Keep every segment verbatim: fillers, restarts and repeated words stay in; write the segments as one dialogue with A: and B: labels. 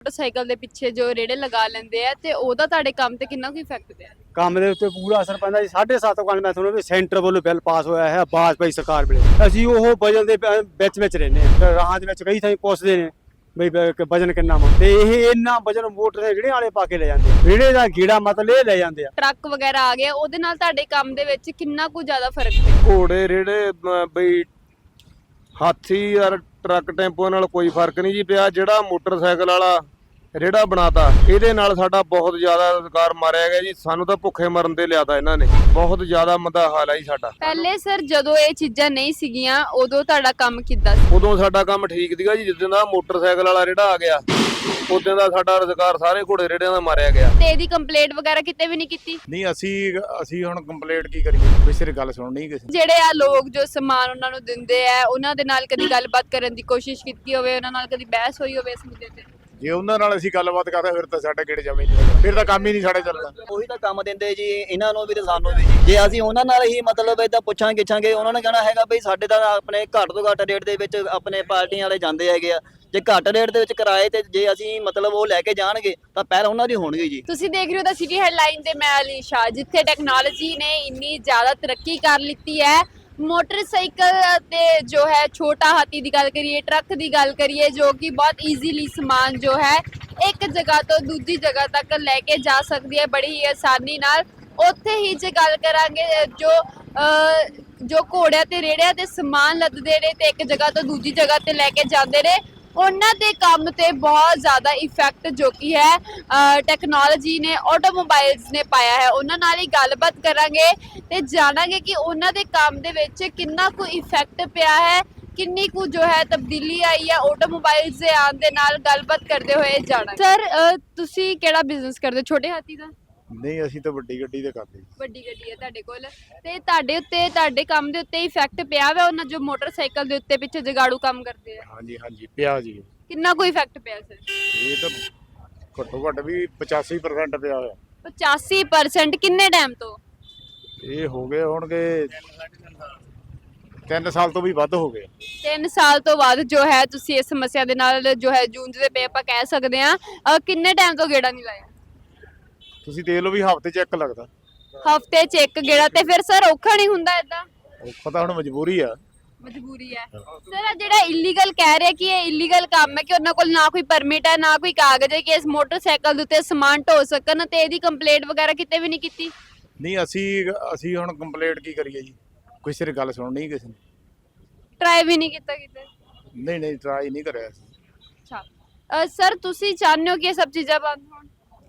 A: Motorcycle ਦੇ ਪਿੱਛੇ ਜੋ ਰੇੜੇ ਲਗਾ ਲੈਂਦੇ ਆ ਤੇ ਉਹਦਾ ਤੁਹਾਡੇ ਕੰਮ ਤੇ ਕਿੰਨਾ ਕੁ ਇਫੈਕਟ ਪਿਆ?
B: ਕੰਮ ਦੇ ਉੱਤੇ ਪੂਰਾ ਅਸਰ ਪੈਂਦਾ ਜੀ। ਸਾਢੇ ਸੱਤ ਕੱਲ ਮੈਂ ਤੁਹਾਨੂੰ ਵੀ ਸੈਂਟਰ ਵੱਲੋਂ ਬਿੱਲ ਪਾਸ ਹੋਇਆ ਹੈ ਵਾਜਪਾਈ ਸਰਕਾਰ ਵੇਲੇ। ਅਸੀਂ ਉਹ ਵਜਨ ਦੇ ਪ- ਵਿੱਚ ਵਿੱਚ ਰਹਿੰਦੇ ਹਾਂ। ਰਾਹਾਂ ਦੇ ਵਿੱਚ ਕਈ ਥਾਈਂ ਪੁੱਛਦੇ ਨੇ ਬਈ ਬ- ਵਜਨ ਕਿੰਨਾ ਵਾ, ਤੇ ਇਹ ਇੰਨਾ ਵਜਨ ਮੋਟਰ ਦੇ ਰੇੜੇ ਵਾਲੇ ਪਾ ਕੇ ਲੈ ਜਾਂਦੇ ਆ। ਰੇੜੇ ਦਾ ਗੀੜਾ ਮਤਲਬ ਇਹ ਲੈ ਜਾਂਦੇ ਆ।
A: ਟਰੱਕ ਵਗੈਰਾ ਆ ਗਿਆ, ਉਹਦੇ ਨਾਲ ਤੁਹਾਡੇ ਕੰਮ ਦੇ ਵਿੱਚ ਕਿੰਨਾ ਕੁ ਜ਼ਿਆਦਾ ਫਰਕ ਪਿਆ?
C: ਘੋੜੇ ਰੇੜੇ ਮ- ਬਈ ਹਾਥੀ ਯਾਰ ਟਰੱਕ ਟੈਂਪੋ ਨਾਲ ਕੋਈ ਫਰਕ ਨਹੀਂ ਜੀ ਪਿਆ। ਜਿਹੜਾ ਮੋਟਰਸਾਈਕਲ ਵਾਲਾ ਰੇੜਾ ਬਣਾਤਾ ਇਹਦੇ ਨਾਲ ਸਾਡਾ ਬਹੁਤ ਜ਼ਿਆਦਾ ਰੁਜ਼ਗਾਰ ਮਾਰਿਆ ਗਿਆ ਜੀ। ਸਾਨੂੰ ਤਾਂ ਭੁੱਖੇ ਮਰਨ ਦੇ ਲਿਆਤਾ ਇਹਨਾਂ ਨੇ। ਬਹੁਤ ਜ਼ਿਆਦਾ ਮੰਦਾ ਹਾਲ ਹੈ ਜੀ ਸਾਡਾ।
A: ਪਹਿਲੇ ਸਰ ਜਦੋਂ ਇਹ ਚੀਜ਼ਾਂ ਨਹੀਂ ਸੀਗੀਆਂ ਉਦੋਂ ਤੁਹਾਡਾ ਕੰਮ ਕਿੱਦਾਂ ਸੀ?
C: ਉਦੋਂ ਸਾਡਾ ਕੰਮ ਠੀਕ ਸੀਗਾ ਜੀ। ਜਿੱਦਾਂ ਦਾ ਮੋਟਰਸਾਈਕਲ ਵਾਲਾ ਰੇੜਾ ਆ ਗਿਆ ਉਦੋਂ ਦਾ ਸਾਡਾ ਰੁਜ਼ਗਾਰ ਸਾਰੇ ਘੋੜੇ ਰੇੜਿਆਂ ਦਾ ਮਾਰਿਆ ਗਿਆ।
A: ਤੇ ਇਹਦੀ ਕੰਪਲੇਂਟ ਵਗੈਰਾ ਕਿਤੇ ਵੀ ਨਹੀਂ ਕੀਤੀ?
D: ਨਹੀਂ ਅਸੀਂ ਅਸੀਂ ਹੁਣ ਕੰਪਲੀਟ ਕੀ ਕਰੀਏ, ਕਿਸੇ ਦੀ ਗੱਲ ਸੁਣਨੀ ਕਿਸੇ ਨੇ।
A: ਜਿਹੜੇ ਆ ਲੋਕ ਜੋ ਸਮਾਨ ਉਹਨਾਂ ਨੂੰ ਦਿੰਦੇ ਆ ਉਹਨਾਂ ਦੇ ਨਾਲ ਕਦੀ ਗੱਲਬਾਤ ਕਰਨ ਦੀ ਕੋਸ਼ਿਸ਼ ਕੀਤੀ ਹੋਵੇ, ਉਹਨਾਂ ਨਾਲ ਕਦੀ ਬਹਿਸ ਹੋਈ ਹੋਵੇ ਇਸ ਮੁੱਦੇ ਤੇ?
D: ਜੇ ਉਹਨਾਂ ਨਾਲ ਅਸੀਂ ਗੱਲਬਾਤ ਕਰਦੇ ਫਿਰ ਤਾਂ ਸਾਡੇ ਕਿਹੜੇ ਜਮੇ ਨਹੀਂ ਲੱਗਦਾ, ਫਿਰ ਤਾਂ ਕੰਮ ਹੀ ਨਹੀਂ ਸਾਡੇ ਚੱਲਣਾ।
E: ਉਹੀ ਤਾਂ ਕੰਮ ਦਿੰਦੇ ਜੀ ਇਹਨਾਂ ਨੂੰ ਵੀ ਤੇ ਸਾਨੂੰ ਵੀ। ਜੇ ਅਸੀਂ ਉਹਨਾਂ ਨਾਲ ਹੀ ਮਤਲਬ ਏਦਾਂ ਪੁੱਛਾਂ ਗਿੱਛਾਂਗੇ, ਉਹਨਾਂ ਨੇ ਕਹਿਣਾ ਹੈਗਾ ਬਈ ਸਾਡੇ ਤਾਂ ਆਪਣੇ ਘੱਟ ਤੋਂ ਘੱਟ ਰੇਟ ਦੇ ਵਿੱਚ ਆਪਣੇ ਪਾਰਟੀਆਂ ਵਾਲੇ ਜਾਂਦੇ ਹੈਗੇ ਆ। ਜੇ ਘੱਟ ਰੇਟ ਦੇ ਵਿੱਚ ਕਿਰਾਏ ਤੇ ਜੇ ਅਸੀਂ ਮਤਲਬ ਉਹ ਲੈ ਕੇ ਜਾਣਗੇ ਤਾਂ ਪਹਿਲ ਉਹਨਾਂ ਦੀ ਹੋਣਗੇ ਜੀ।
A: ਤੁਸੀਂ ਦੇਖ ਰਹੇ ਹੋ ਦਾ ਸਿਟੀ ਹੈਡਲਾਈਨ ਤੇ ਮੈਂ ਅਲੀਸ਼ਾ, ਜਿੱਥੇ ਟੈਕਨੋਲੋਜੀ ਨੇ ਇੰਨੀ ਜ਼ਿਆਦਾ ਤਰੱਕੀ ਕਰ ਲਿੱਤੀ ਹੈ। ਮੋਟਰਸਾਈਕਲ ਤੇ ਜੋ ਹੈ ਛੋਟਾ ਹਾਥੀ ਦੀ ਗੱਲ ਕਰੀਏ, ਟਰੱਕ ਦੀ ਗੱਲ ਕਰੀਏ, ਜੋ ਕਿ ਬਹੁਤ ਈਜ਼ੀਲੀ ਸਮਾਨ ਜੋ ਹੈ ਇੱਕ ਜਗ੍ਹਾ ਤੋਂ ਦੂਜੀ ਜਗ੍ਹਾ ਤੱਕ ਲੈ ਕੇ ਜਾ ਸਕਦੀ ਹੈ ਬੜੀ ਹੀ ਆਸਾਨੀ ਨਾਲ। ਉੱਥੇ ਹੀ ਜੇ ਗੱਲ ਕਰਾਂਗੇ ਜੋ ਅਹ, ਜੋ ਘੋੜਿਆਂ ਤੇ ਰੇੜਿਆਂ ਤੇ ਸਮਾਨ ਲੱਦਦੇ ਨੇ ਤੇ ਇੱਕ ਜਗ੍ਹਾ ਤੋਂ ਦੂਜੀ ਜਗ੍ਹਾ ਤੇ ਲੈ ਕੇ ਜਾਂਦੇ ਨੇ, ਉਹਨਾਂ ਦੇ ਕੰਮ ਤੇ ਬਹੁਤ ਜ਼ਿਆਦਾ ਇਫੈਕਟ ਜੋ ਕਿ ਹੈ ਟੈਕਨੋਲੋਜੀ ਨੇ, ਆਟੋਮੋਬਾਈਲਸ ਨੇ ਪਾਇਆ ਹੈ। ਉਹਨਾਂ ਨਾਲ ਹੀ ਗੱਲਬਾਤ ਕਰਾਂਗੇ ਤੇ ਜਾਣਾਂਗੇ ਕਿ ਉਹਨਾਂ ਦੇ ਕੰਮ ਦੇ ਵਿੱਚ ਕਿੰਨਾ ਕੁ ਇਫੈਕਟ ਪਿਆ ਹੈ, ਕਿੰਨੀ ਕੁ ਜੋ ਹੈ ਤਬਦੀਲੀ ਆਈ ਹੈ ਆਟੋਮੋਬਾਈਲਸ ਦੇ ਆਉਣ ਦੇ ਨਾਲ। ਗੱਲਬਾਤ ਕਰਦੇ ਹੋਏ ਜਾਣਾਂਗੇ। ਸਰ ਤੁਸੀਂ ਕਿਹੜਾ ਬਿਜ਼ਨਸ ਕਰਦੇ ਹੋ? ਛੋਟੇ ਹਾਥੀ ਦਾ?
D: ਨਹੀਂ ਅਸੀਂ ਤਾਂ ਵੱਡੀ ਗੱਡੀ ਤੇ ਕਰਦੇ।
A: ਵੱਡੀ ਗੱਡੀ ਹੈ ਤੁਹਾਡੇ ਕੋਲ, ਤੇ ਤੁਹਾਡੇ ਉੱਤੇ ਤੁਹਾਡੇ ਕੰਮ ਦੇ ਉੱਤੇ ਇਫੈਕਟ ਪਿਆ ਵਾ ਉਹਨਾਂ ਜੋ ਮੋਟਰਸਾਈਕਲ ਦੇ ਉੱਤੇ ਪਿੱਛੇ ਜਗਾੜੂ ਕੰਮ ਕਰਦੇ ਆ?
D: ਹਾਂਜੀ ਹਾਂਜੀ ਪਿਆ ਜੀ।
A: ਕਿੰਨਾ ਕੁ ਇਫੈਕਟ ਪਿਆ ਸਰ?
D: ਇਹ ਤਾਂ ਘੱਟੋ ਘੱਟ ਵੀ ਪਚਾਸੀ ਪਰਸੈਂਟ ਪਿਆ ਹੋਇਆ।
A: ਪਚਾਸੀ ਪਰਸੈਂਟ? ਕਿੰਨੇ ਟਾਈਮ ਤੋਂ?
D: ਇਹ ਹੋ ਗਏ ਹੋਣਗੇ ਤਿੰਨ ਸਾਲ ਤੋਂ ਵੀ ਵੱਧ ਹੋ ਗਏ।
A: ਤਿੰਨ ਸਾਲ ਤੋਂ ਬਾਅਦ ਜੋ ਹੈ ਤੁਸੀਂ ਇਸ ਸਮੱਸਿਆ ਦੇ ਨਾਲ ਜੋ ਹੈ ਜੂਝਦੇ ਪਏ ਆਪਾਂ ਕਹਿ ਸਕਦੇ ਆ। ਕਿੰਨੇ ਟਾਈਮ ਤੋਂ ਗੇੜਾ ਨਹੀਂ ਲਾਇਆ?
D: ਤੁਸੀਂ ਦੇਖ ਲਓ ਵੀ ਹਫ਼ਤੇ ਚ ਇੱਕ ਲੱਗਦਾ।
A: ਹਫਤੇ ਚ ਇੱਕ ਗੇੜਾ? ਤੇ ਫਿਰ ਸਰ ਔਖਾ ਨਹੀਂ ਹੁੰਦਾ ਏਦਾਂ?
D: ਔਖਾ ਤਾਂ ਹੁਣ ਮਜਬੂਰੀ ਆ।
A: ਮਜਬੂਰੀ ਹੈ ਸਰ। ਜਿਹੜਾ ਇਲੀਗਲ ਕਹਿ ਰਿਹਾ ਕਿ ਇਹ ਇਲੀਗਲ ਕੰਮ ਹੈ, ਕਿ ਉਹਨਾਂ ਕੋਲ ਨਾ ਕੋਈ ਪਰਮਿਟ ਹੈ ਨਾ ਕੋਈ ਕਾਗਜ਼ ਹੈ ਕਿ ਇਸ ਮੋਟਰਸਾਈਕਲ ਦੇ ਉੱਤੇ ਸਮਾਨ ਢੋ ਸਕਣ, ਤੇ ਇਹਦੀ ਕੰਪਲੇਂਟ ਵਗੈਰਾ ਕਿਤੇ ਵੀ ਨਹੀਂ ਕੀਤੀ?
D: ਨਹੀਂ ਅਸੀਂ ਅਸੀਂ ਹੁਣ ਕੰਪਲੀਟ ਕੀ ਕਰੀਏ ਜੀ, ਕਿਸੇ ਦੀ ਗੱਲ ਸੁਣਨੀ ਕਿਸੇ ਨੇ।
A: ਟਰਾਈ ਵੀ ਨਹੀਂ ਕੀਤਾ ਕਿਤੇ?
D: ਨਹੀਂ ਨਹੀਂ ਟਰਾਈ ਨਹੀਂ ਕਰਿਆ ਅਸੀਂ।
A: ਅੱਛਾ ਸਰ, ਤੁਸੀਂ ਚਾਹੁੰਦੇ ਹੋ ਕਿ ਇਹ ਸਭ ਚੀਜ਼ਾਂ ਬੰਦ ਹੋਣ?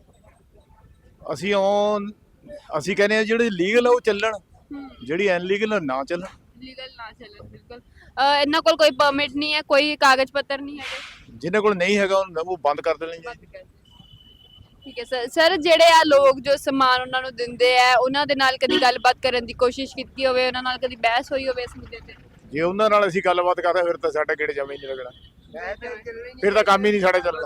D: ਅਸੀਂ ਉਹ ਅਸੀਂ ਕਹਿੰਦੇ ਆ ਜਿਹੜੇ ਲੀਗਲ ਆ ਉਹ ਚੱਲਣ, ਜਿਹੜੀ ਅਨਲੀਗਲ ਨਾ ਚੱਲਣ।
A: ਲੀਗਲ ਨਾ ਚੱਲਣ, ਬਿਲਕੁਲ। ਅਹ ਇਹਨਾਂ ਕੋਲ ਕੋਈ ਪਰਮਿਟ ਨਹੀਂ ਹੈ, ਕੋਈ ਕਾਗਜ਼ ਪੱਤਰ ਨਹੀਂ ਹੈਗੇ?
D: ਜਿਹਨਾਂ ਕੋਲ ਨਹੀਂ ਹੈਗਾ ਉਹ ਬੰਦ ਕਰ ਦੇਣੇ ਜੀ।
A: ਠੀਕ ਹੈ ਸਰ। ਸਰ ਜਿਹੜੇ ਆ ਲੋਕ ਜੋ ਸਮਾਨ ਉਹਨਾਂ ਨੂੰ ਦਿੰਦੇ ਆ, ਉਹਨਾਂ ਦੇ ਨਾਲ ਕਦੀ ਗੱਲਬਾਤ ਕਰਨ ਦੀ ਕੋਸ਼ਿਸ਼ ਕੀਤੀ ਹੋਵੇ, ਉਹਨਾਂ ਨਾਲ ਕਦੀ ਬਹਿਸ ਹੋਈ ਹੋਵੇ ਇਸ ਮੁੱਦੇ ਤੇ?
D: ਜੇ ਉਹਨਾਂ ਨਾਲ ਅਸੀਂ ਗੱਲਬਾਤ ਕਰਦੇ ਫਿਰ ਤਾਂ ਸਾਡੇ ਕਿਹੜੇ ਜਮੇ ਨਹੀਂ ਲੱਗਣਾ, ਫਿਰ ਤਾਂ ਕੰਮ ਹੀ ਨਹੀਂ ਸਾਡੇ ਚੱਲਣਾ।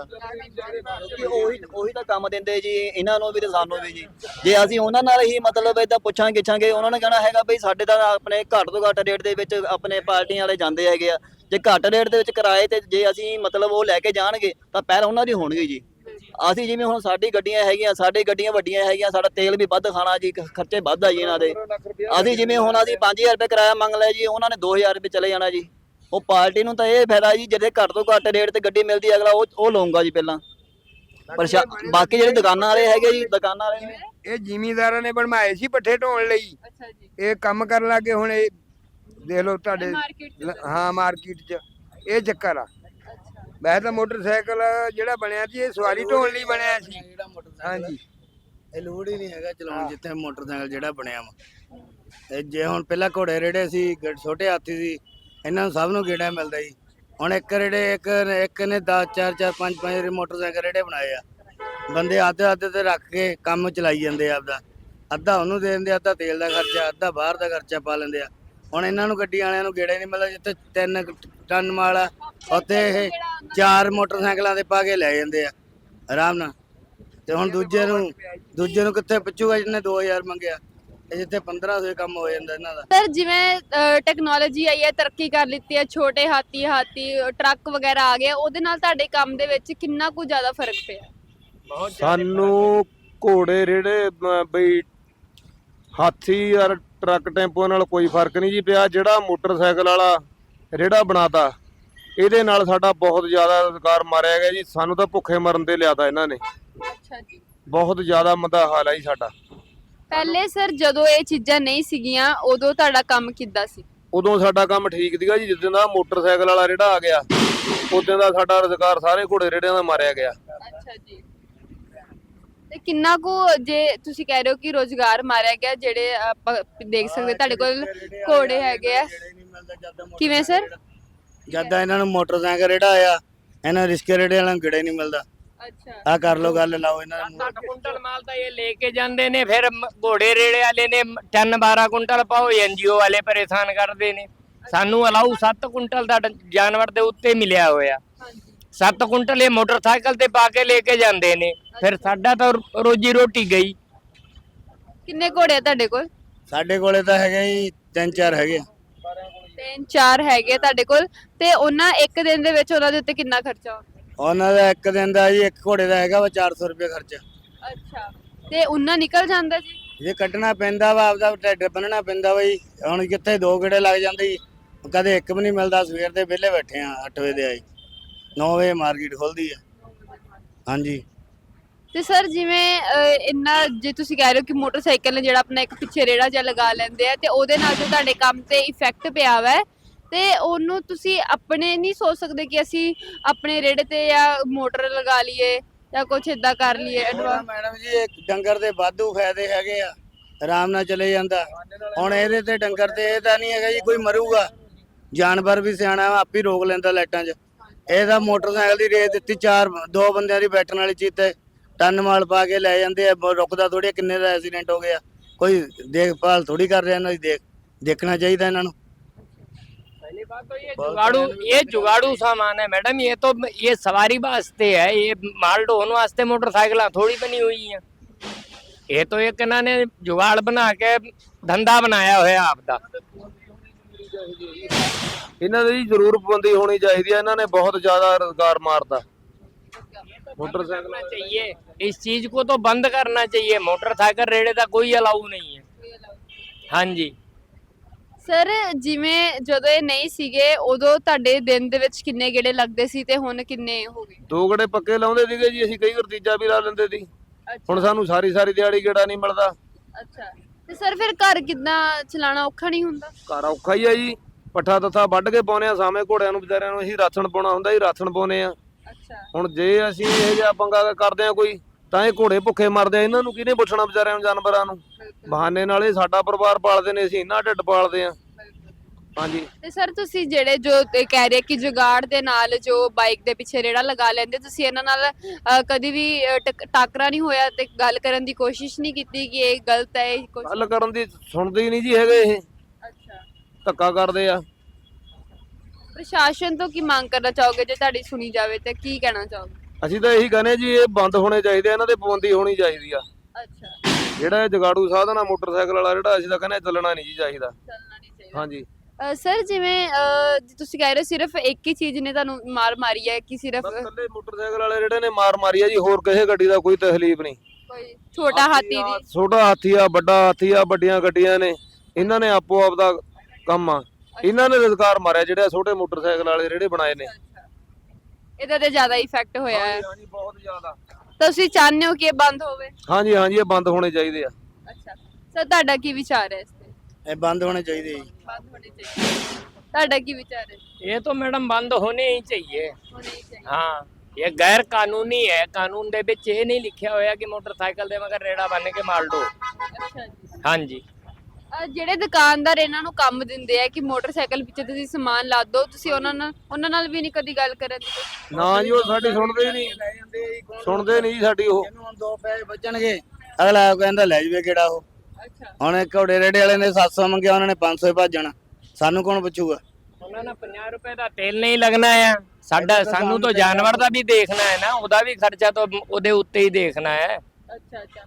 E: ਉਹੀ ਉਹੀ ਤਾਂ ਕੰਮ ਦਿੰਦੇ ਜੀ ਇਹਨਾਂ ਨੂੰ ਵੀ ਤੇ ਸਾਨੂੰ ਵੀ ਜੀ। ਜੇ ਅਸੀਂ ਉਹਨਾਂ ਨਾਲ ਹੀ ਮਤਲਬ ਏਦਾਂ ਪੁੱਛਾਂ ਗਿੱਛਾਂਗੇ, ਉਹਨਾਂ ਨੇ ਕਹਿਣਾ ਹੈਗਾ ਬਈ ਸਾਡੇ ਤਾਂ ਆਪਣੇ ਘੱਟ ਤੋਂ ਘੱਟ ਰੇਟ ਦੇ ਵਿੱਚ ਆਪਣੇ ਪਾਰਟੀਆਂ ਵਾਲੇ ਜਾਂਦੇ ਹੈਗੇ ਆ। ਜੇ ਘੱਟ ਰੇਟ ਦੇ ਵਿੱਚ ਕਿਰਾਏ ਤੇ ਜੇ ਅਸੀਂ ਮਤਲਬ ਉਹ ਲੈ ਕੇ ਜਾਣਗੇ ਤਾਂ ਪਹਿਲ ਉਹਨਾਂ ਦੀ ਹੋਣਗੇ ਜੀ। ਅਸੀਂ ਜਿਵੇਂ ਹੁਣ ਸਾਡੀ ਗੱਡੀਆਂ ਹੈਗੀਆਂ, ਸਾਡੀ ਗੱਡੀਆਂ ਵੱਡੀਆਂ ਹੈਗੀਆਂ, ਸਾਡਾ ਤੇਲ ਵੀ ਵੱਧ ਖਾਣਾ ਜੀ, ਖਰਚੇ ਵੱਧ ਆ ਜੀ ਇਹਨਾਂ ਦੇ। ਅਸੀਂ ਜਿਵੇਂ ਹੁਣ ਅਸੀਂ ਪੰਜ ਹਜ਼ਾਰ ਰੁਪਏ ਕਿਰਾਇਆ ਮੰਗ ਲਿਆ ਜੀ, ਉਹਨਾਂ ਨੇ ਦੋ ਹਜ਼ਾਰ ਰੁਪਏ ਚਲੇ ਜਾਣਾ ਜੀ। ਉਹ ਪਾਰਟੀ ਨੂੰ ਤਾਂ ਇਹ ਫਾਇਦਾ ਜੀ ਜਿਹਦੇ ਘੱਟ ਤੋਂ ਘੱਟ ਰੇਟ ਤੇ ਗੱਡੀ ਮਿਲਦੀ ਅਗਲਾ ਉਹ ਉਹ ਲਊਗਾ ਜੀ ਪਹਿਲਾਂ। ਪਰ ਬਾਕੀ ਜਿਹੜੇ ਦੁਕਾਨਾਂ ਵਾਲੇ ਹੈਗੇ ਜੀ, ਦੁਕਾਨਾਂ ਵਾਲੇ ਨੇ
F: ਇਹ ਜ਼ਿਮੀਂਦਾਰਾਂ ਨੇ ਬਣਵਾਏ ਸੀ ਪੱਠੇ ਢੋਣ ਲਈ।
A: ਅੱਛਾ ਜੀ।
F: ਇਹ ਕੰਮ ਕਰਨ ਲੱਗੇ ਹੁਣ ਇਹ ਦੇਖ ਲਓ ਤੁਹਾਡੇ
A: ਮਾਰਕੀਟ
F: ਹਾਂ ਮਾਰਕੀਟ 'ਚ ਇਹ ਚੱਕਰ ਆ। ਵੈਸੇ ਤਾਂ ਮੋਟਰਸਾਈਕਲ ਜਿਹੜਾ ਬਣਿਆ ਸੀ ਇਹ ਸਵਾਰੀ ਢੋਣ ਲਈ ਬਣਿਆ ਸੀ। ਹਾਂਜੀ
G: ਇਹ ਲੋੜ ਹੀ ਨਹੀਂ ਹੈਗਾ ਚਲਾਉਣ ਜਿੱਥੇ ਮੋਟਰਸਾਈਕਲ ਜਿਹੜਾ ਬਣਿਆ ਵਾ। ਤੇ ਜੇ ਹੁਣ ਪਹਿਲਾਂ ਘੋੜੇ ਰੇੜੇ ਸੀ, ਛੋਟੇ ਹਾਥੀ ਸੀ, ਇਹਨਾਂ ਨੂੰ ਸਭ ਨੂੰ ਗੇੜਾ ਮਿਲਦਾ ਜੀ। ਹੁਣ ਇੱਕ ਰੇੜੇ ਇੱਕ ਇੱਕ ਨੇ ਦਸ ਚਾਰ ਚਾਰ ਪੰਜ ਪੰਜ ਮੋਟਰਸਾਈਕਲ ਰੇੜੇ ਬਣਾਏ ਆ। ਬੰਦੇ ਆਧੇ ਆਧੇ ਤੇ ਰੱਖ ਕੇ ਕੰਮ ਚਲਾਈ ਜਾਂਦੇ ਆ ਆਪਦਾ। ਅੱਧਾ ਉਹਨੂੰ ਦੇ ਦਿੰਦੇ, ਅੱਧਾ ਤੇਲ ਦਾ ਖਰਚਾ, ਅੱਧਾ ਬਾਹਰ ਦਾ ਖਰਚਾ ਪਾ ਲੈਂਦੇ ਆ। ਹੁਣ ਇਹਨਾਂ ਨੂੰ ਗੱਡੀ ਵਾਲਿਆਂ ਨੂੰ ਗੇੜਾ ਨਹੀਂ ਮਿਲਦਾ। ਜਿੱਥੇ ਤਿੰਨ ਟਨ ਮਾਲ ਆ ਉੱਥੇ ਇਹ ਚਾਰ ਮੋਟਰਸਾਈਕਲਾਂ ਦੇ ਪਾ ਕੇ ਲੈ ਜਾਂਦੇ ਆ ਆਰਾਮ ਨਾਲ। ਤੇ ਹੁਣ ਦੂਜੇ ਨੂੰ ਦੂਜੇ ਨੂੰ ਕਿੱਥੇ ਪੁੱਛੂਗਾ ਜਿਹਨੇ ਦੋ ਹਜ਼ਾਰ ਮੰਗਿਆ। ਤੇ ਜਿੱਥੇ ਪੰਦਰਾਂ ਸੌ ਕੰਮ ਹੋ ਜਾਂਦਾ ਇਹਨਾਂ ਦਾ।
A: ਸਰ ਜਿਵੇਂ ਟੈਕਨੋਲੋਜੀ ਆਈ ਹੈ, ਤਰੱਕੀ ਕਰ ਲਿੱਤੀ ਹੈ, ਛੋਟੇ ਹਾਥੀ ਹਾਥੀ ਟਰੱਕ ਵਗੈਰਾ ਆ ਗਏ, ਉਹਦੇ ਨਾਲ ਤੁਹਾਡੇ ਕੰਮ ਦੇ ਵਿੱਚ ਕਿੰਨਾ ਕੁ ਜ਼ਿਆਦਾ ਫਰਕ ਪਿਆ?
C: ਸਾਨੂੰ ਘੋੜੇ ਰੇੜੇ ਅਮ, ਬਈ ਹਾਥੀ ਯਾਰ ਟਰੱਕ ਟੈਂਪੋ ਨਾਲ ਕੋਈ ਫਰਕ ਨਹੀਂ ਜੀ ਪਿਆ। ਜਿਹੜਾ ਮੋਟਰਸਾਈਕਲ ਵਾਲਾ ਰੇੜਾ ਬਣਾਤਾ ਇਹਦੇ ਨਾਲ ਸਾਡਾ ਬਹੁਤ ਜ਼ਿਆਦਾ ਰੁਜ਼ਗਾਰ ਮਾਰਿਆ ਗਿਆ ਜੀ। ਸਾਨੂੰ ਤਾਂ ਭੁੱਖੇ ਮਰਨ ਤੇ ਲਿਆਤਾ ਇਹਨਾਂ ਨੇ।
A: ਅੱਛਾ ਜੀ।
C: ਬਹੁਤ ਜ਼ਿਆਦਾ ਮੰਦਾ ਹਾਲ ਹੈ ਜੀ ਸਾਡਾ।
A: ਪਹਿਲੇ ਸਰ ਜਦੋਂ ਇਹ ਚੀਜ਼ਾਂ ਨਹੀਂ ਸੀਗੀਆਂ ਉਦੋਂ ਤੁਹਾਡਾ ਕੰਮ ਕਿੱਦਾਂ ਸੀ?
C: ਉਦੋਂ ਸਾਡਾ ਕੰਮ ਠੀਕ ਸੀਗਾ ਜੀ। ਜਿੱਦਾਂ ਦਾ ਮੋਟਰਸਾਈਕਲ ਵਾਲਾ ਰੇੜਾ ਆ ਗਿਆ ਉਦੋਂ ਦਾ ਸਾਡਾ ਰੁਜ਼ਗਾਰ ਸਾਰੇ ਘੋੜੇ ਰੇੜਿਆਂ ਦਾ ਮਾਰਿਆ ਗਿਆ।
A: ਅੱਛਾ ਜੀ। ਤੇ ਕਿੰਨਾ ਕੁ ਜੇ ਤੁਸੀਂ ਕਹਿ ਰਹੇ ਹੋ ਕਿ ਰੋਜ਼ਗਾਰ ਮਾਰਿਆ ਗਿਆ, ਜਿਹੜੇ ਆਪਾਂ ਦੇਖ ਸਕਦੇ ਤੁਹਾਡੇ ਕੋਲ ਘੋੜੇ ਹੈਗੇ ਆ, ਕਿਵੇਂ ਸਰ?
G: ਜਦ ਦਾ ਇਹਨਾਂ ਨੂੰ ਮੋਟਰਸਾਈਕਲ ਰੇੜਾ ਆਇਆ, ਇਹਨਾਂ ਰਿਸਕੇ ਰੇੜੇ ਵਾਲਿਆਂ ਨੂੰ ਗੇੜਾ ਹੀ ਨਹੀਂ ਮਿਲਦਾ।
A: ਅੱਛਾ।
G: ਆ ਕਰ ਲੋ ਗੱਲ, ਲਾਓ ਇਹਨਾਂ ਨੂੰ।
H: ਸੱਤ ਕੁੰਟਲ ਮਾਲ ਤਾਂ ਇਹ ਲੈ ਕੇ ਜਾਂਦੇ ਨੇ, ਫਿਰ ਮ- ਘੋੜੇ ਰੇੜੇ ਵਾਲੇ ਨੇ ਟਨ ਬਾਰਾਂ ਕੁੰਟਲ ਪਾਓ, ਐਨਜੀਓ ਵਾਲੇ ਪਰੇਸ਼ਾਨ ਕਰਦੇ ਨੇ। ਸਾਨੂੰ ਅਲਾਉ ਸੱਤ ਕੁੰਟਲ ਦਾ ਡ- ਜਾਨਵਰ ਦੇ ਉੱਤੇ ਮਿਲਿਆ ਹੋਇਆ। ਸੱਤ ਕੁੰਟਲ ਇਹ ਮੋਟਰਸਾਈਕਲ ਤੇ ਪਾ ਕੇ ਲੈ ਕੇ ਜਾਂਦੇ ਨੇ, ਫਿਰ ਸਾਡਾ ਤਾਂ ਰੋ- ਰੋਜੀ ਰੋਟੀ ਗਈ।
A: ਕਿੰਨੇ ਘੋੜੇ ਆ ਤੁਹਾਡੇ ਕੋਲ?
G: ਸਾਡੇ ਕੋਲੇ ਤਾਂ ਹੈਗੇ ਜੀ ਤਿੰਨ ਚਾਰ ਹੈਗੇ ਆ।
A: ਤਿੰਨ ਚਾਰ ਹੈਗੇ ਆ ਤੁਹਾਡੇ ਕੋਲ, ਤੇ ਉਹਨਾਂ ਇੱਕ ਦਿਨ ਦੇ ਵਿੱਚ ਉਹਨਾਂ ਦੇ ਉੱਤੇ ਕਿੰਨਾ ਖਰਚਾ ਆਉਂਦਾ?
G: ਉਹਨਾਂ ਦਾ ਇੱਕ ਦਿਨ ਦਾ ਜੀ, ਇੱਕ ਘੋੜੇ ਦਾ ਹੈਗਾ ਵਾ ਚਾਰ ਸੌ ਰੁਪਏ ਖਰਚਾ।
A: ਅੱਛਾ। ਤੇ ਉਹਨਾਂ ਨਿਕਲ ਜਾਂਦਾ ਜੀ?
G: ਜੇ ਕੱਢਣਾ ਪੈਂਦਾ ਵਾ, ਆਪਦਾ ਢਿੱਡ ਬੰਨਣਾ ਪੈਂਦਾ ਵਾ ਜੀ। ਹੁਣ ਕਿੱਥੇ ਦੋ ਗੇੜੇ ਲੱਗ ਜਾਂਦੇ ਜੀ, ਕਦੇ ਇੱਕ ਵੀ ਨਹੀਂ ਮਿਲਦਾ। ਸਵੇਰ ਦੇ ਵਿਹਲੇ ਬੈਠੇ ਆ, ਅੱਠ ਵਜੇ ਦੇ ਆਈ, ਨੌ ਵਜੇ ਮਾਰਕੀਟ ਖੁੱਲਦੀ ਆ। ਹਾਂਜੀ।
A: ਤੇ ਸਰ ਜਿਵੇਂ ਅਹ, ਇੰਨਾ ਜੇ ਤੁਸੀਂ ਕਹਿ ਰਹੇ ਹੋ ਕਿ ਮੋਟਰਸਾਈਕਲ ਨੇ ਜਿਹੜਾ ਆਪਣਾ ਇੱਕ ਪਿੱਛੇ ਰੇੜਾ ਜਿਹਾ ਲਗਾ ਲੈਂਦੇ ਆ, ਤੇ ਉਹਦੇ ਨਾਲ ਜੋ ਤੁਹਾਡੇ ਕੰਮ ਤੇ ਇਫੈਕਟ ਪਿਆ ਵਾ, ਤੇ ਉਹਨੂੰ ਤੁਸੀਂ ਆਪਣੇ ਨਹੀਂ ਸੋਚ ਸਕਦੇ ਕਿ ਅਸੀਂ ਆਪਣੇ ਰੇੜੇ ਤੇ ਜਾਂ ਮੋਟਰ ਲਗਾ ਲਈਏ ਜਾਂ ਕੁਝ ਇਦਾਂ ਕਰ ਲਈਏ?
G: ਉਹਦਾ ਮੈਡਮ ਜੀ ਇਹ ਡੰਗਰ ਦੇ ਵਾਧੂ ਫਾਇਦੇ ਹੈਗੇ ਆ, ਆਰਾਮ ਨਾਲ ਚਲੇ ਜਾਂਦਾ। ਹੁਣ ਇਹਦੇ ਤੇ ਡੰਗਰ ਤੇ ਇਹ ਤਾਂ ਨਹੀਂ ਹੈਗਾ ਜੀ ਕੋਈ ਮਰੂਗਾ, ਜਾਨਵਰ ਵੀ ਸਿਆਣਾ ਵਾ, ਆਪੇ ਰੋਕ ਲੈਂਦਾ ਲਾਈਟਾਂ 'ਚ। ਇਹਦਾ ਮੋਟਰਸਾਈਕਲ ਦੀ ਰੇਸ ਦਿੱਤੀ, ਚਾਰ ਦੋ ਬੰਦਿਆਂ ਦੀ ਬੈਠਣ ਵਾਲੀ ਚੀਜ਼ ਤੇ ਟਨ ਮਾਲ ਪਾ ਕੇ ਲੈ ਜਾਂਦੇ ਆ, ਬ- ਰੁਕਦਾ ਥੋੜੀ। ਕਿੰਨੇ ਦਾ ਐਕਸੀਡੈਂਟ ਹੋ ਗਿਆ, ਕੋਈ ਦੇਖਭਾਲ ਥੋੜੀ ਕਰ ਰਿਹਾ ਇਹਨਾਂ ਦੀ। ਦੇਖ ਦੇਖਣਾ ਚਾਹੀਦਾ ਇਹਨਾਂ ਨੂੰ।
H: पहली बात तो ये जुगाड़ू ये जुगाड़ू सामान है मैडम। ये तो ये सवारी वास्ते है, ये माल ढोने वास्ते मोटरसाइकिल थोड़ी बनी हुई है। ये तो एक इन्होंने जुगाड़ बना के धंधा बनाया होया आपदा।
C: ਇਹਨਾਂ ਦੀ ਜ਼ਰੂਰ ਪਾਬੰਦੀ ਹੋਣੀ ਚਾਹੀਦੀ ਹੈ। ਇਹਨਾਂ ਨੇ ਬਹੁਤ ਜ਼ਿਆਦਾ ਰੁਜ਼ਗਾਰ ਮਾਰਤਾ मोटरसाइकिल।
H: करना चाहिए, इस चीज को तो बंद करना चाहिए। मोटरसाइकिल रेड़े का कोई अलाउ नहीं है। हाँ जी।
A: ਸਰ ਜਿਵੇਂ ਜਦੋਂ ਇਹ ਨਹੀਂ ਸੀਗੇ ਉਦੋਂ ਤੁਹਾਡੇ ਦਿਨ ਦੇ ਵਿੱਚ ਕਿੰਨੇ ਗੇੜੇ ਲੱਗਦੇ ਸੀ ਤੇ ਹੁਣ ਕਿੰਨੇ ਹੋ ਗਏ?
C: ਦੋ ਗੜੇ ਪੱਕੇ ਲਾਉਂਦੇ ਸੀਗੇ ਜੀ ਅਸੀਂ, ਕਈ ਵਾਰ ਤੀਜਾ ਵੀ ਲਾ ਲੈਂਦੇ ਸੀ। ਹੁਣ ਸਾਨੂੰ ਸਾਰੀ ਸਾਰੀ ਦਿਹਾੜੀ ਗੇੜਾ ਨਹੀਂ ਮਿਲਦਾ।
A: ਅੱਛਾ। ਤੇ ਸਰ ਫਿਰ ਘਰ ਕਿੱਦਾਂ ਚਲਾਉਣਾ ਔਖਾ ਨਹੀਂ ਹੁੰਦਾ?
C: ਘਰ ਔਖਾ ਹੀ ਆ ਜੀ। ਪੱਠਾ ਤੱਥਾ ਵੱਢ ਕੇ ਪਾਉਨੇ ਆ, ਸਾਵੇਂ ਘੋੜਿਆਂ ਨੂੰ ਵਿਚਾਰਿਆਂ ਨੂੰ ਅਸੀਂ ਰਾਸ਼ਨ ਪਾਉਣਾ ਹੁੰਦਾ ਜੀ, ਰਾਸ਼ਨ ਪਾਉਨੇ ਆ।
A: ਅੱਛਾ।
C: ਹੁਣ ਜੇ ਅਸੀਂ ਇਹ ਜਿਹਾ ਪੰਗਾ ਕਰਦੇ ਆ ਕੋਈ, ਤਾਂ ਇਹ ਘੋੜੇ ਭੁੱਖੇ ਮਰਦੇ ਆ। ਇਹਨਾਂ ਨੂੰ ਕਿਹਨੇ ਪੁੱਛਣਾ ਵਿਚਾਰਿਆਂ ਨੂੰ, ਜਾਨਵਰਾਂ ਨੂੰ? ਬਹਾਨੇ ਨਾਲ ਇਹ ਸਾਡਾ ਪਰਿਵਾਰ ਪਾਲਦੇ ਨੇ, ਅਸੀਂ ਇਹਨਾਂ ਢਿੱਡ ਪਾਲਦੇ ਆ। ਹਾਂਜੀ।
A: ਤੇ ਸਰ ਤੁਸੀਂ ਜਿਹੜੇ ਜੋ ਤੇ ਕਹਿ ਰਹੇ ਕਿ ਜੁਗਾੜ ਦੇ ਨਾਲ ਜੋ ਬਾਈਕ ਦੇ ਪਿੱਛੇ ਰੇੜਾ ਲਗਾ ਲੈਂਦੇ, ਤੁਸੀਂ ਇਹਨਾਂ ਨਾਲ ਅਹ, ਕਦੀ ਵੀ ਅਹ, ਟਕ- ਟਾਕਰਾ ਨਹੀਂ ਹੋਇਆ ਤੇ ਗੱਲ ਕਰਨ ਦੀ ਕੋਸ਼ਿਸ਼ ਨਹੀਂ ਕੀਤੀ ਕਿ ਇਹ ਗਲਤ ਹੈ ਇਹ ਕੁਛ?
C: ਗੱਲ ਕਰਨ ਦੀ ਸੁਣਦੇ ਹੀ ਨਹੀਂ ਜੀ ਹੈਗੇ। ਇਹ
A: ਅੱਛਾ।
C: ਧੱਕਾ ਕਰਦੇ ਆ।
A: ਪ੍ਰਸ਼ਾਸਨ ਤੋਂ ਕੀ ਮੰਗ ਕਰਨਾ ਚਾਹੋਗੇ? ਜੇ ਤੁਹਾਡੀ ਸੁਣੀ ਜਾਵੇ ਤੇ ਕੀ ਕਹਿਣਾ ਚਾਹੋਗੇ?
C: ਅਸੀਂ ਤਾਂ ਇਹੀ ਕਹਿੰਦੇ ਜੀ, ਇਹ ਬੰਦ ਹੋਣੇ ਚਾਹੀਦੇ ਆ, ਇਹਨਾਂ ਤੇ ਪਾਬੰਦੀ ਹੋਣੀ ਚਾਹੀਦੀ ਆ।
A: ਅੱਛਾ।
C: ਜਿਹੜਾ ਇਹ ਜਗਾੜੂ ਸਾਧਨ ਆ ਮੋਟਰਸਾਈਕਲ ਵਾਲਾ, ਜਿਹੜਾ ਅਸੀਂ ਤਾਂ ਕਹਿੰਦੇ ਚੱਲਣਾ ਨਹੀਂ ਜੀ ਚਾਹੀਦਾ।
A: ਚੱਲਣਾ ਨਹੀਂ ਚਾਹੀਦਾ।
C: ਹਾਂਜੀ।
A: ਅਹ, ਸਰ ਜਿਵੇਂ ਅਹ, ਜੇ ਤੁਸੀਂ ਕਹਿ ਰਹੇ ਹੋ ਸਿਰਫ ਇੱਕ ਹੀ ਚੀਜ਼ ਨੇ ਤੁਹਾਨੂੰ ਮਾਰ ਮਾਰੀ ਹੈ ਕਿ ਸਿਰਫ
C: ਬਸ ਇਕੱਲੇ ਮੋਟਰਸਾਈਕਲ ਵਾਲੇ ਜਿਹੜੇ ਨੇ ਮਾਰ ਮਾਰੀ ਆ ਜੀ, ਹੋਰ ਕਿਸੇ ਗੱਡੀ ਦਾ ਕੋਈ ਤਕਲੀਫ ਨਹੀਂ।
A: ਕੋਈ ਛੋਟਾ ਹਾਥੀ ਦੀ?
C: ਛੋਟਾ ਹਾਥੀ ਆ, ਵੱਡਾ ਹਾਥੀ ਆ, ਵੱਡੀਆਂ ਗੱਡੀਆਂ ਨੇ, ਇਹਨਾਂ ਨੇ ਆਪੋ ਆਪ ਦਾ ਕੰਮ ਆ। ਇਹਨਾਂ ਨੇ ਰੁਜ਼ਗਾਰ ਮਾਰਿਆ, ਜਿਹੜੇ ਛੋਟੇ ਮੋਟਰਸਾਈਕਲ ਵਾਲੇ ਜਿਹੜੇ ਬਣਾਏ ਨੇ।
A: ਇਹਦਾ ਤੇ ਜ਼ਿਆਦਾ ਇਫੈਕਟ ਹੋਇਆ ਹੈ।
C: ਹਾਂਜੀ, ਬਹੁਤ ਜ਼ਿਆਦਾ।
A: ਤੁਸੀਂ ਚਾਹੁੰਦੇ ਹੋ ਕਿ ਇਹ ਬੰਦ ਹੋਵੇ?
C: ਹਾਂਜੀ ਹਾਂਜੀ, ਇਹ ਬੰਦ ਹੋਣੇ ਚਾਹੀਦੇ ਆ।
A: ਅੱਛਾ। ਸਰ ਤੁਹਾਡਾ ਕੀ ਵਿਚਾਰ ਹੈ ਇਸ ਤੇ?
G: ਇਹ ਬੰਦ ਹੋਣੇ ਚਾਹੀਦੇ ਜੀ।
A: ਬੰਦ ਹੋਣੇ ਚਾਹੀਦੇ। ਤੁਹਾਡਾ ਕੀ ਵਿਚਾਰ ਹੈ?
H: ये तो मैडम बंद होने ही चाहिए।
A: ਹੋਣੇ ਹੀ ਚਾਹੀਦੇ।
H: हाँ, ये गैर कानूनी है। कानून ਦੇ ਵਿੱਚ ਇਹ ਨਹੀਂ ਲਿਖਿਆ ਹੋਇਆ ਕਿ ਮੋਟਰਸਾਈਕਲ ਦੇ ਮਗਰ ਰੇੜਾ ਬੰਨ ਕੇ ਮਾਲ ਢੋ।
A: ਅੱਛਾ ਜੀ।
H: हाँ जी।
A: ਅਹ ਜਿਹੜੇ ਦੁਕਾਨਦਾਰ ਇਹਨਾਂ ਨੂੰ ਕੰਮ ਦਿੰਦੇ ਆ ਕਿ ਮੋਟਰਸਾਈਕਲ ਪਿੱਛੇ ਤੁਸੀਂ ਸਮਾਨ ਲਾ ਦਿਓ, ਤੁਸੀਂ ਉਹਨਾਂ ਨਾਲ ਉਹਨਾਂ ਨਾਲ ਵੀ ਨਹੀਂ ਕਦੀ ਗੱਲ ਕਰਨ ਦੀ?
C: ਨਾ ਜੀ, ਉਹ ਸਾਡੀ ਸੁਣਦੇ ਹੀ ਨਹੀਂ। ਸੁਣਦੇ ਨਹੀਂ ਜੀ ਸਾਡੀ ਉਹ।
G: ਇਹਨੂੰ ਹੁਣ ਦੋ ਪੈਸੇ ਬਚਣਗੇ, ਅਗਲਾ ਕਹਿੰਦਾ ਲੈ ਜਵੇ ਕਿਹੜਾ ਉਹ।
A: ਅੱਛਾ।
G: ਹੁਣ ਇਹ ਘੋੜੇ ਰੇੜੇ ਵਾਲੇ ਨੇ ਸੱਤ ਸੌ ਮੰਗਿਆ, ਉਹਨਾਂ ਨੇ ਪੰਜ ਸੌ ਭੱਜਣਾ। ਸਾਨੂੰ ਕੌਣ ਪੁੱਛੂਗਾ?
H: ਉਹਨਾਂ ਨਾਲ ਪੰਜਾਹ ਰੁਪਏ ਦਾ ਤੇਲ ਨਹੀਂ ਲੱਗਣਾ ਆ ਸਾਡਾ। ਸਾਨੂੰ ਤਾਂ ਜਾਨਵਰ ਦਾ ਵੀ ਦੇਖਣਾ ਹੈ ਨਾ, ਉਹਦਾ ਵੀ ਖਰਚਾ ਤਾਂ ਉਹਦੇ ਉੱਤੇ ਹੀ ਦੇਖਣਾ ਹੈ।
A: ਅੱਛਾ ਅੱਛਾ।